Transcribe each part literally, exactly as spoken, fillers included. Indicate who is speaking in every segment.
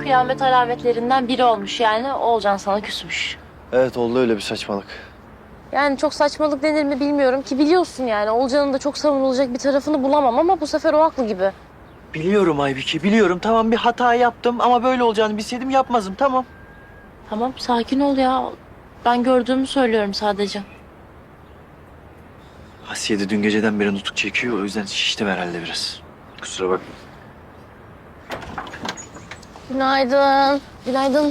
Speaker 1: kıyamet alametlerinden biri olmuş yani. Oğulcan sana küsmüş.
Speaker 2: Evet oldu öyle bir saçmalık.
Speaker 1: Yani çok saçmalık denir mi bilmiyorum ki biliyorsun yani. Oğulcan'ın da çok savunulacak bir tarafını bulamam ama bu sefer o haklı gibi.
Speaker 2: Biliyorum Aybiki biliyorum. Tamam bir hata yaptım ama böyle olacağını bilseydim yapmazdım tamam.
Speaker 1: Tamam sakin ol ya. Ben gördüğümü söylüyorum sadece.
Speaker 2: Asiye de dün geceden beri nutuk çekiyor. O yüzden şiştim herhalde biraz. Kusura bakma.
Speaker 1: Günaydın. Günaydın.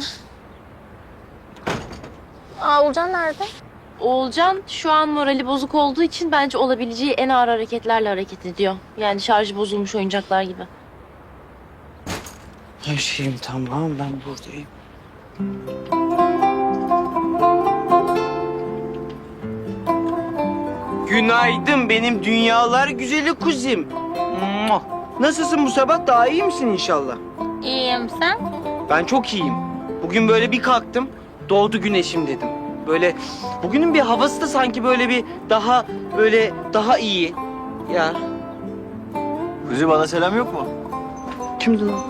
Speaker 1: Aa, Oğulcan nerede? Oğulcan şu an morali bozuk olduğu için bence olabileceği en ağır hareketlerle hareket ediyor. Yani şarjı bozulmuş oyuncaklar gibi.
Speaker 3: Her şeyim tamam, ben buradayım. Günaydın benim dünyalar güzeli kuzim. Muah! Nasılsın bu sabah? Daha iyi misin inşallah?
Speaker 1: İyiyim sen?
Speaker 3: Ben çok iyiyim. Bugün böyle bir kalktım, doğdu güneşim dedim. Böyle bugünün bir havası da sanki böyle bir daha böyle daha iyi. Ya
Speaker 2: Kuzi bana selam yok mu?
Speaker 3: kimdi lan?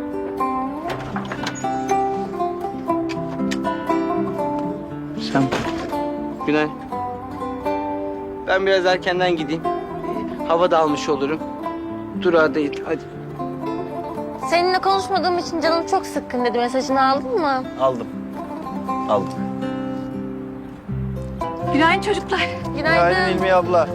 Speaker 3: Sen. Günay. Ben biraz erkenden gideyim. Ee, Hava da almış olurum. Durağa değil, hadi.
Speaker 1: Seninle konuşmadığım için canım çok sıkkın dedi. Mesajını aldın mı?
Speaker 2: Aldım. Aldım.
Speaker 1: Günaydın çocuklar. Günaydın.
Speaker 2: Günaydın İlmi abla.